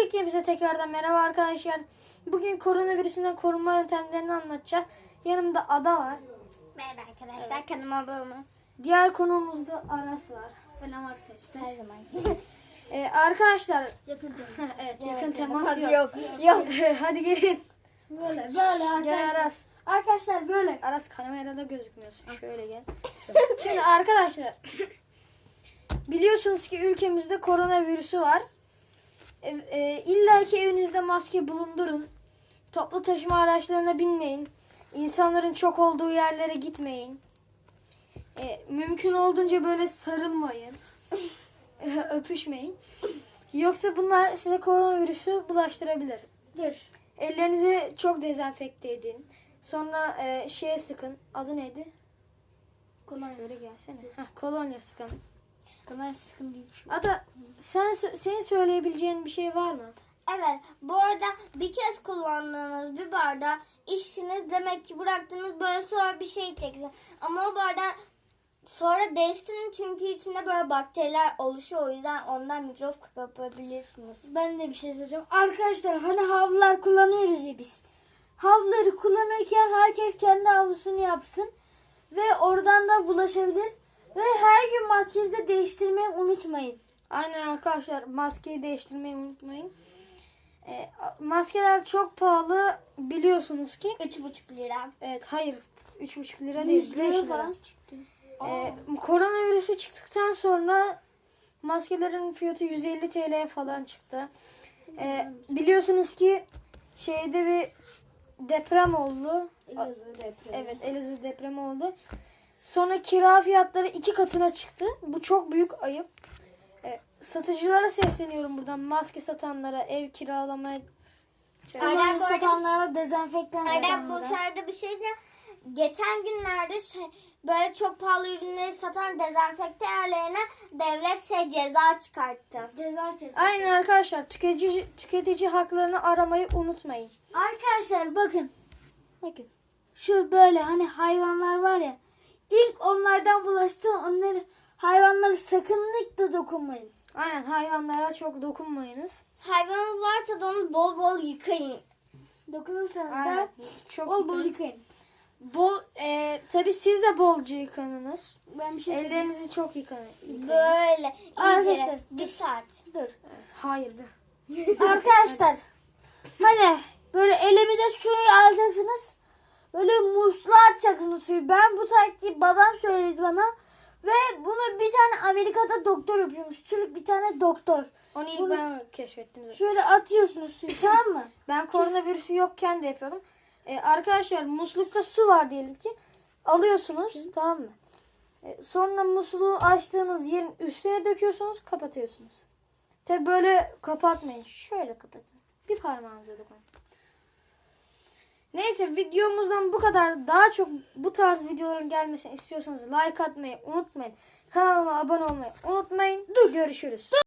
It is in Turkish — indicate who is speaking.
Speaker 1: Öncelikle tekrardan merhaba arkadaşlar. Bugün koronavirüsünden korunma yöntemlerini anlatacağız. Yanımda Ada var.
Speaker 2: Merhaba arkadaşlar, evet. Kanalıma abone olun.
Speaker 1: Diğer konuğumuz da Aras var.
Speaker 2: Selam arkadaşlar. Her zaman.
Speaker 1: Arkadaşlar
Speaker 2: Yakın temas.
Speaker 1: evet, yakın temas yok.
Speaker 2: Yok.
Speaker 1: Hadi gelin.
Speaker 2: Böyle
Speaker 1: Gel
Speaker 2: arkadaşlar.
Speaker 1: Aras.
Speaker 2: Arkadaşlar böyle.
Speaker 1: Aras kamerada gözükmüyorsun. Şöyle gel. Şimdi arkadaşlar biliyorsunuz ki ülkemizde koronavirüsü var. İlla ki evinizde maske bulundurun. Toplu taşıma araçlarına binmeyin. İnsanların çok olduğu yerlere gitmeyin. Mümkün olduğunca böyle sarılmayın. Öpüşmeyin. Yoksa bunlar size koronavirüsü bulaştırabilir.
Speaker 2: Dur.
Speaker 1: Ellerinizi çok dezenfekte edin. Sonra şeye sıkın. Adı neydi?
Speaker 2: Kolonya.
Speaker 1: Böyle gelsene. Kolonya sıkın.
Speaker 2: Kolonya sıkıntı değil.
Speaker 1: Ada senin söyleyebileceğin bir şey var mı?
Speaker 2: Evet. Bu arada bir kez kullandığınız bir bardağı içtiniz. Demek ki bıraktınız, böyle sonra bir şey içeceksiniz. Ama o bardağı sonra değiştirin çünkü içinde böyle bakteriler oluşuyor. O yüzden ondan mikrop kapabilirsiniz.
Speaker 3: Ben de bir şey söyleyeceğim. Arkadaşlar hani havlular kullanıyoruz ya biz. Havluları kullanırken herkes kendi havlusunu yapsın. Ve oradan da bulaşabilir. Ve her gün maskeyi de değiştirmeyi unutmayın.
Speaker 1: Aynen arkadaşlar, maskeyi değiştirmeyi unutmayın. Maskeler çok pahalı biliyorsunuz ki.
Speaker 2: 3,5 lira.
Speaker 1: Evet, hayır 3,5 lira değil, 5 lira.
Speaker 3: falan çıktı.
Speaker 1: Koronavirüsü çıktıktan sonra maskelerin fiyatı 150 TL'ye falan çıktı. Biliyorsunuz ki şeyde bir deprem oldu.
Speaker 3: Elazığ depremi.
Speaker 1: Evet, Elazığ depremi oldu. Sonra kira fiyatları 2 katına çıktı. Bu çok büyük ayıp. Satıcılara sesleniyorum buradan. Maske satanlara, ev kiralamaya.
Speaker 3: Kolonya satanlara, dezenfektan
Speaker 2: Aynen, bu
Speaker 3: satanlara.
Speaker 2: sırada bir şey de geçen günlerde böyle çok pahalı ürünleri satan dezenfekte yerlerine devlet ceza çıkarttı.
Speaker 3: Ceza kesin.
Speaker 1: Aynen arkadaşlar, tüketici haklarını aramayı unutmayın.
Speaker 3: Arkadaşlar bakın. Bakın. Şu böyle hani hayvanlar var ya. İlk onlardan bulaştı. Hayvanları sakınlıkla dokunmayın.
Speaker 1: Aynen, hayvanlara çok dokunmayınız.
Speaker 2: Hayvanınız varsa da onu bol bol yıkayın.
Speaker 3: Dokunursanız
Speaker 1: Aynen.
Speaker 3: da
Speaker 1: Çok
Speaker 3: bol bol
Speaker 1: yıkayın.
Speaker 3: yıkayın.
Speaker 1: Tabii siz de bolca yıkanınız.
Speaker 3: Ben bir şey söyleyeyim.
Speaker 1: Ellerinizi çok yıkayın.
Speaker 2: Böyle.
Speaker 3: Arkadaşlar,
Speaker 2: iyice bir saat.
Speaker 3: Dur.
Speaker 1: Hayır be.
Speaker 3: Arkadaşlar. Hani böyle elimize suyu alacaksınız. Böyle musluğa atacaksınız suyu. Ben bu taktiği babam söyledi bana. Ve bunu bir tane Amerika'da doktor yapıyormuş. Türk bir tane doktor.
Speaker 1: Onu ilk
Speaker 3: Bunu-
Speaker 1: ben keşfettim zaten.
Speaker 3: Şöyle atıyorsunuz suyu, tamam mı?
Speaker 1: Ben koronavirüsü yokken de yapıyordum. Arkadaşlar, muslukta su var diyelim ki. Alıyorsunuz, tamam mı? Sonra musluğu açtığınız yerin üstüne döküyorsunuz, kapatıyorsunuz. Tabi böyle kapatmayın. Şöyle kapatın. Bir parmağınıza dokunun. Neyse, videomuzdan bu kadar. Daha çok bu tarz videoların gelmesini istiyorsanız like atmayı unutmayın. Kanalıma abone olmayı unutmayın. Görüşürüz.